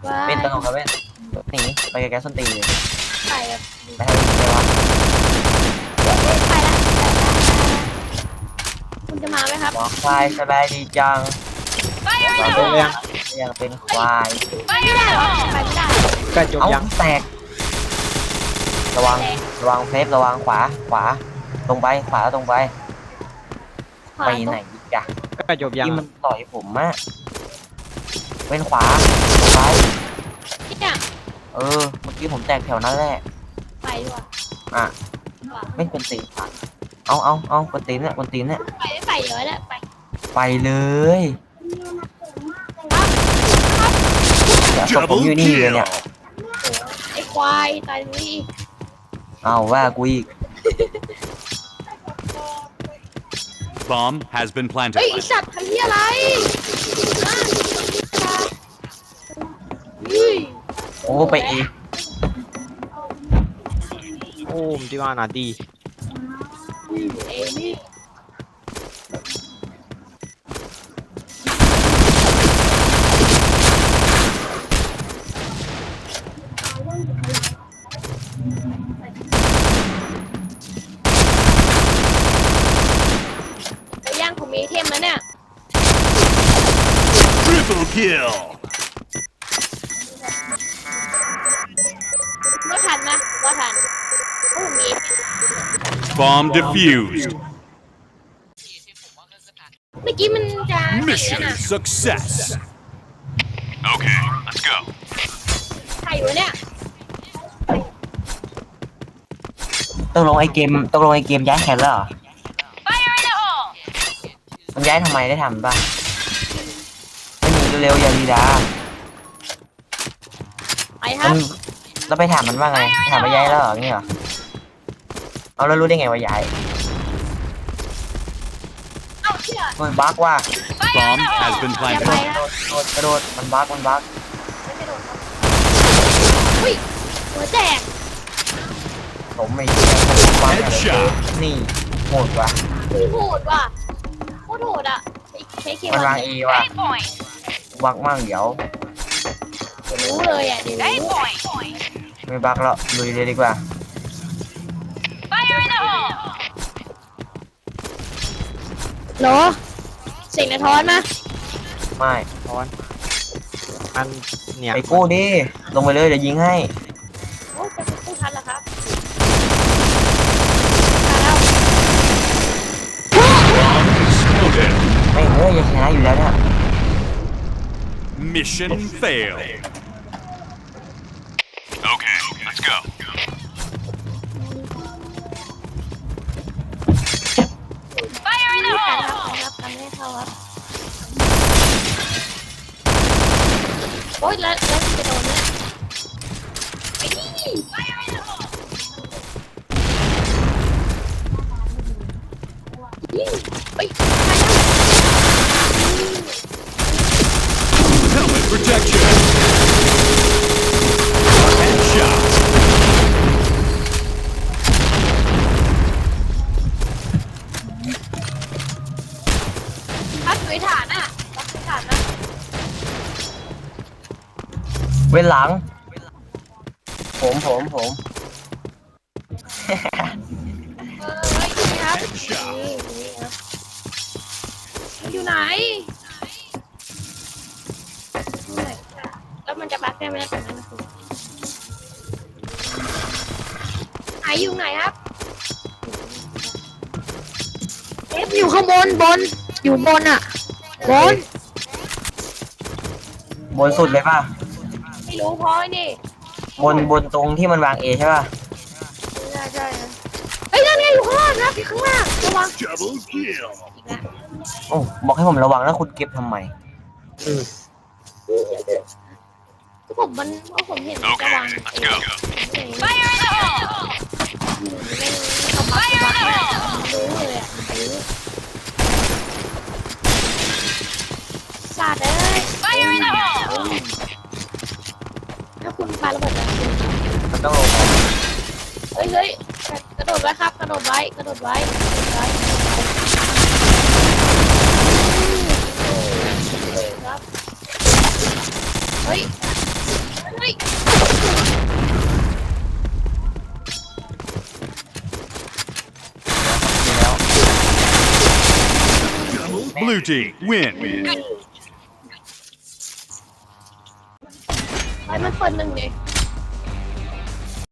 ว้าเป็นตลกยกับเป็นหนีไปไกลๆส้นตีนเลยไปแบบไปทางนี้เลยวะไปละคุณจะมาไหมครับบอกควายสบายดีจังจบยังยังเป็นควายไปไม่ได้เหรอไปไม่ได้ใกล้จบเอ้ายังแตกระวังเซฟระวังขวาตรงไปขวาตรงไปขวาไปไหนอีกอะใกล้จบยังที่มันต่อยผมอะเป็นขวาซ้ายเนี่ยเมื่อกี้ผมแตกแถวนั้นแหละไปดีกว่าอ่ะขวาไม่กวนตีนเอากวนตีนเนี่ยไปไม่ไปเยอะแล้วไปไปเลยเดี๋ยวศพผมอยู่นี่เลยเนี่ยไอ้ควายตายตรงนี้เอาว่ากูอีก Bomb has been เฮ้ย planted. ไอ้สัตว์ทำเหี้ยอะไรอุ้ยโอ้ไปอีกโอ้มที่ว่านาดีเอ้นี่ไอ้ย่างผมมีเทมแล้วเนี่ย Triple kill. ไม่ทันนะว่าทันโอ้มี Bomb defused. เมื่อกี้มันจะ Mission success. Okay, let's go. ใครอยู่เนี่ยตกลงไอเกมย้ายแคนแล้วเหรอมันย้ายทำไมได้ทำป่ะไม่หนีเร็วๆอย่าดีดาไปครับแล้วไปถามมันว่าไงถามว่าย้ายแล้วเหรอนี่เหรอเอาแล้วรู้ได้ไงว่าย้ายเอ้าเชื่อโดนบั๊กว่า Bomb has been อย่าไป planted. นะกระโดดมันบั๊กไม่กระโดดครับอุ้ยหัวแตกผมไม่เชื่อผมบั๊กอะไร Headshot นี่โหดว่ะอุ้ยโหดว่ะโคตรโหดอ่ะใช้เคมันวันวางเอว่ะบั๊กมั่งเดี๋ยวรู้เลยอ่ะเดี๋ยวรู้ไม่บั๊กแล้วลุยเลยดีกว่าเหรอเสียงกระท้อนมาไม่ตอนอันเนี่ยไปกู้ดิลงไปเลยเดี๋ยวยิงให้โอ้จะพูดทันเหรอครับทันแล้ว exploded. ไม่ยังชนะอยู่แล้วเนี่ย Mission failed. Okay, let's go. ครับทำให้เข้าครับโอ๊ยแล้วคุณจะโดนเนี่ยไอ้นี่ยิงเฮ้ย Helmet protection. Headshot. พัดสวยฐานอ่ะพัดสวยฐานนะเว้นหลัง ผมเฮ้ยนี่ครับนี่ครับมันอยู่ไหนแล้วมันจะบักได้ไหมตรงนั้นนะคุณไหนอยู่ไหนครับเอฟอยู่ข้างบนอยู่บนอ่ะบนบนสุดเลยป่ะไม่รู้พอไอ้นี่บนตรงที่มันวางเอใช่ป่ะใช่นะเฮ้ยนั่นไงอยู่ข้างล่างครับอยู่ข้างล่างระวัง Double kill. อีกแล้วโอ้บอกให้ผมระวังแล้วคุณเก็บทำไมผมเห็นระวัง Okay, let's go. ไฟร์ในห้องไฟร์ในห้องรู้เลยอ่ะสาดเลยไฟร์ในห้องถ้าคุณปาระเบิดอะมันต้องลงมาเฮ้ยกระโดดไว้ครับกระโดดไว้ครับเฮ้ย Blue team win. ไอ้มันเปิดหนึ่งดิ